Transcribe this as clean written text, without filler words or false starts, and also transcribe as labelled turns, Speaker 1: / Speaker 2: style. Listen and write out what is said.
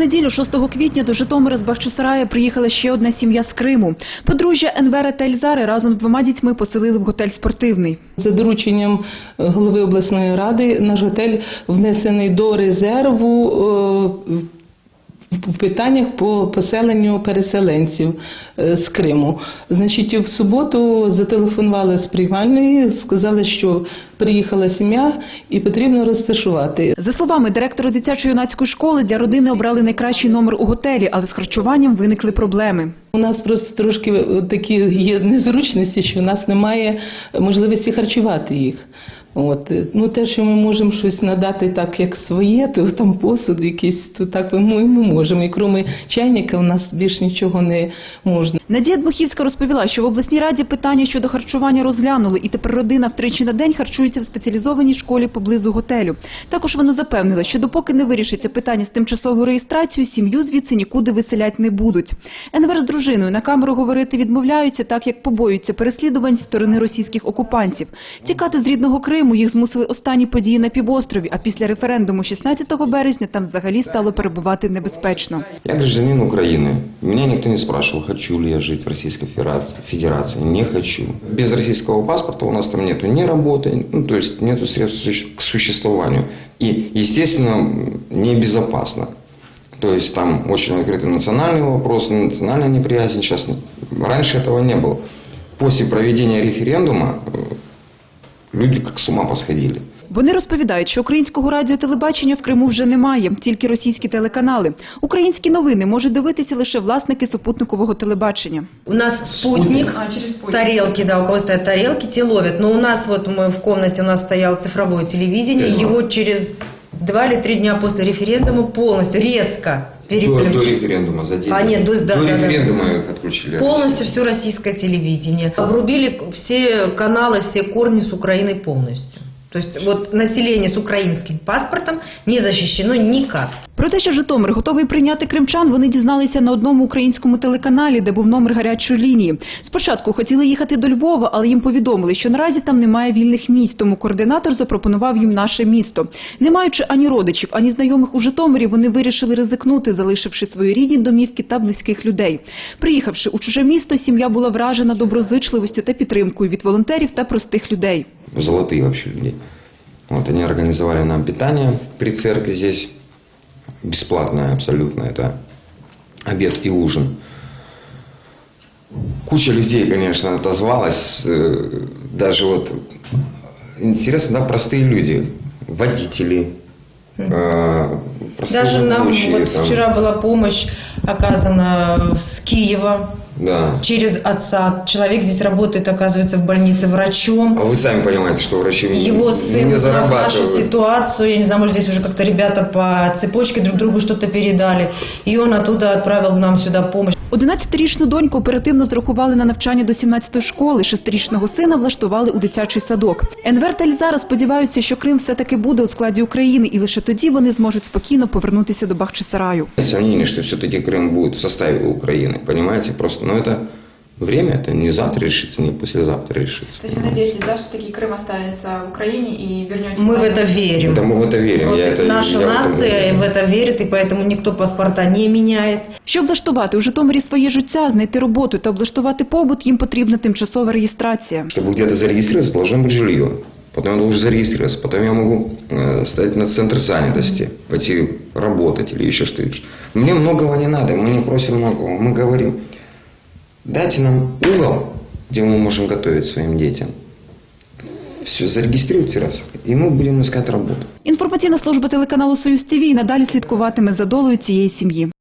Speaker 1: неділю, 6 квітня, до Житомира з Бахчисарая приїхала ще одна сім'я з Криму. Подружжя Енвера та Ельзари разом з 2 дітьми поселили в готель «Спортивний».
Speaker 2: За дорученням голови обласної ради наш готель внесений до резерву в питаннях по поселенню переселенців з Криму. Значить, в суботу зателефонували з приймальної, сказали, що приїхала сім'я і потрібно розташувати.
Speaker 1: За словами директора дитячо-юнацької школи, для родини обрали найкращий номер у готелі, але з харчуванням виникли проблеми.
Speaker 2: У нас просто трошки такі є незручності, що у нас немає можливості харчувати їх. Те, що ми можемо щось надати так, як своє, то там посуд якийсь, то так ми можемо. І крім чайника у нас більш нічого не можна.
Speaker 1: Надія Дмухівська розповіла, що в обласній раді питання щодо харчування розглянули, і тепер родина втричі на день харчується в спеціалізованій школі поблизу готелю. Також вона запевнила, що допоки не вирішиться питання з тимчасовою реєстрацією, сім'ю звідси нікуди виселяти не будуть. Енвер з дружиною на камеру говорити відмовляються, так як побоюються переслідувань зі сторони російських окупантів. Тікати з рідного Криму їх змусили останні події на півострові, а після референдуму 16 березня там взагалі стало перебувати небезпечно.
Speaker 3: Я гражданин Украины. Меня никто не спрашивал, хочу ли я жить в Российской Федерации. Не хочу. Без российского паспорта у нас там нету ни работы, то есть нету средств к существованию. И, естественно, небезопасно. То есть там очень открыты национальные вопросы, национальная неприязнь. Сейчас раньше этого не было. После проведения референдума люди как с ума посходили.
Speaker 1: Вони розповідають, що українського радіотелебачення в Криму вже немає, тільки російські телеканали. Українські новини можуть дивитися лише власники супутникового телебачення.
Speaker 4: У нас спутник, тарелки, да, у кого стоят тарелки, те ловят. Но у нас вот мы в комнате, у нас стояло цифровое телевидение, его через 2 или 3 дня после референдума полностью, резко переключили.
Speaker 3: До референдума за день.
Speaker 4: До
Speaker 3: референдума их отключили.
Speaker 4: Полностью все российское телевидение. Обрубили все каналы, все корни с Украиной полностью. То есть вот население с украинским паспортом не защищено никак.
Speaker 1: Про те, що Житомир готовий прийняти кримчан, вони дізналися на одному українському телеканалі, де був номер гарячої лінії. Спочатку хотіли їхати до Львова, але їм повідомили, що наразі там немає вільних місць, тому координатор запропонував їм наше місто. Не маючи ані родичів, ані знайомих у Житомирі, вони вирішили ризикнути, залишивши свої рідні домівки та близьких людей. Приїхавши у чуже місто, сім'я була вражена доброзичливістю та підтримкою від волонтерів та простих людей.
Speaker 3: Золотые вообще люди. Они организовали нам питание при церкви здесь. Бесплатное абсолютно. Это обед и ужин. Куча людей, конечно, отозвалась. Даже интересно, да, простые люди. Водители.
Speaker 4: Даже нам вчера была помощь оказана с Киева.
Speaker 3: Да.
Speaker 4: Через отца. Человек здесь работает, оказывается, в больнице врачом.
Speaker 3: А вы сами понимаете, что врачи
Speaker 4: Его сын
Speaker 3: не
Speaker 4: узнал
Speaker 3: зарабатывают.
Speaker 4: нашу ситуацию, я не знаю, может, здесь уже как-то ребята по цепочке друг другу что-то передали. И он оттуда отправил нам сюда помощь.
Speaker 1: 11-річну доньку оперативно зарахували на навчання до 17-ї школи, 6-річного сина влаштували у дитячий садок. Енвер та Ельзара сподіваються, що Крим все-таки буде у складі України, і лише тоді вони зможуть спокійно повернутися до Бахчисараю.
Speaker 3: Сомнение, что все-таки Крым будет в составе Украины, понимаете, просто, это время, это не завтра решится, не послезавтра решится.
Speaker 5: То есть вы надеетесь, да, что таки Крым останется в Украине и вернетесь?
Speaker 4: Мы в это верим.
Speaker 3: Да, мы в это верим.
Speaker 4: Наша нация в это верит, и поэтому никто паспорта не меняет.
Speaker 1: Щоб влаштувати у Житомирі своє життя, знайти роботу та облаштувати побут, їм потрібна тимчасова реєстрація.
Speaker 3: Чтобы где-то зарегистрироваться, должно быть жилье. Потом я должен зарегистрироваться, потом я могу стать на центр занятости, пойти работать или еще что-то. Мне многого не надо, мы не просим многого, мы говорим, дайте нам угол, где мы можем готовить своим детям. Все, зарегистрируйте раз, и мы будем искать работу.
Speaker 1: Інформаційна служба телеканалу «Союз ТВ» надалі слідкуватиме за долею цієї сім'ї.